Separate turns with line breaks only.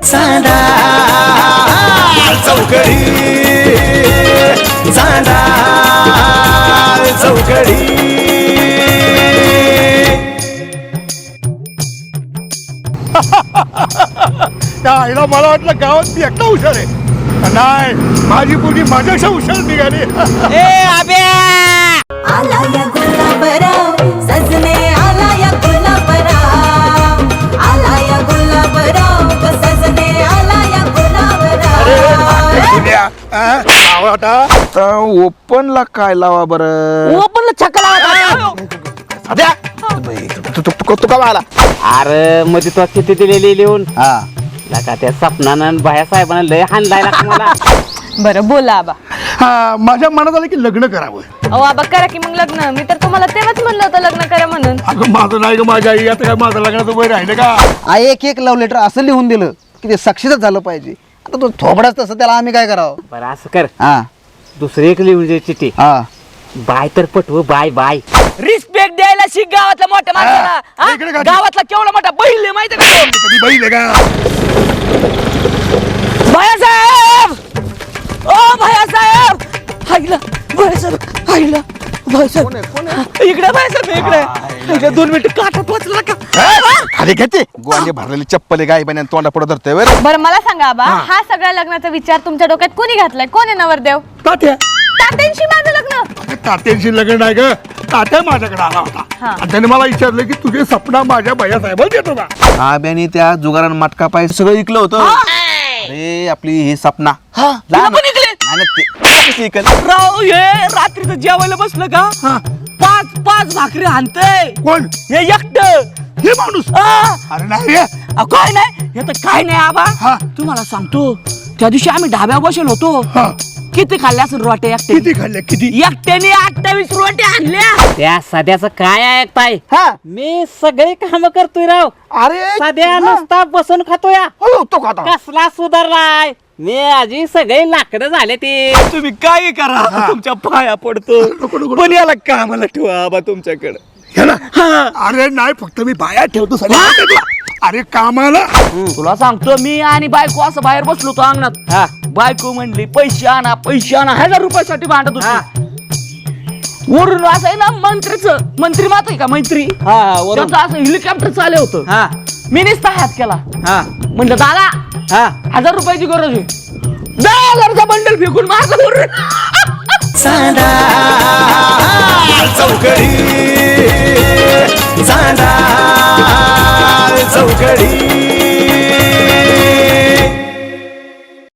चांदा चौकडी चांदा चौकडी.
त्या आईला मला वाटलं गावात मी एकटा हुशार आहे. नाही, माझी पोरगी माझ्यापेक्षा हुशार निघाली.
आला या गुलाबराव सजने आला या गुलाबराव आला या गुलाबराव सजने आला या गुलाबराव.
ओपनला काय लावा बरं?
ओपनला छक्का लावा.
तू का आला?
अरे मध्ये तो किती दिलेली लिहून
हा
लका त्या सपनानं भाया साहेबांना लय हाणलाय ना मला.
बरं बोला आबा.
हा, माझ्या मनात आलं की लग्न करावं.
अहो आबा करा की मग लग्न. मी तर तुम्हाला तेव्हाच म्हणलं होतं लग्न करा म्हणून.
अगं माझं नाही ग, माझ्या आई. आता काय माझं लग्नाचं वय राहिलं का?
एक एक लव्ह लेटर असं लिहून दिलं की ते साक्षीच झालं पाहिजे. आता तो थोबडाच तसं, त्याला आम्ही काय करावं?
बरं असं कर,
हा
दुसरी एक लिहून दे चिठ्ठी.
हा
बाय तर पटव, बाय बाय.
रिस्पेक्ट द्यायला शिक गावातल्या मोठ्या माणसाला. हा?
इकडे का?
गावातला केवढा मोठा बैल आहे माहिती का?
कधी बैल आहे का?
भैयासाहेब, ओ भैयासाहेब, हायला भैयासाहेब, हायला भैयासाहेब, इकडे भैयासाहेब, इकडे 2 मिनिट काठात वाचला का?
खाली घेते गोवांगे भरलेली चप्पल गाय बन तोंडा पुढे धरतोय.
बरं मला सांगा आबा, हा सगळ्या लग्नाचा विचार तुमच्या डोक्यात कोणी घातलाय? कोण आहे नवरदेव?
तात्या.
तात्यांशी माझं लग्न.
तात्यांशी लग्न नाही ग, तात्या माझ्याकडे आला होता आणि त्याने मला विचारलं की तुझे सपना माझ्या भैया साहेबाला देतो का?
आब्याने त्या जुगारान मटका पाय सगळं ऐकलं होतं. अरे आपली ही सपना
तुला पण इकडे राव, हे रात्रीचं जेवायला बसलं का? 5 भाकरी हाणतय.
कोण?
हे एकटं.
हे माणूस? अरे नाही रे.
काय नाही, हे तर काय नाही आबा.
हा.
तुम्हाला सांगतो, त्या दिवशी आम्ही ढाब्या बसेल होतो.
हा.
किती खाल्ल्या असेल रोट्या एकट्याने?
किती खाल्ले? किती?
एकट्याने 28 रोट्या आणल्या.
त्या सध्याचं काय ऐकताय?
हा.
मी सगळे काम करतोय राव.
अरे
सध्या नुसता बसून खातोय.
हो, तो खाता.
कसला सुधारलाय मी. आजी सगळे लाकडं झाले ते.
तुम्ही काय करा, तुमच्या पाया पडतो. पण याला कामाला ठेवा आबा तुमच्याकडे.
ह्याला? अरे नाही, फक्त मी बाया ठेवतो सगळं. अरे कामाला.
तुला सांगतो, मी आणि बायको असं बाहेर बसलो होतो अंगणात.
हा.
बायको म्हणली पैसे आणा, पैसे आणा. 1000 रुपयासाठी भांडत होती. वरून असं आहे ना, मंत्री मात आहे का? मंत्री त्यांचं असं हेलिकॉप्टर चालू होतं. मी नुसता हात केला. म्हणलं दादा, 1000 रुपयाची गरज आहे. 10,000चा बंडल फेकून माझं वरून.
चांदा चौकडी चांदा चौकडी.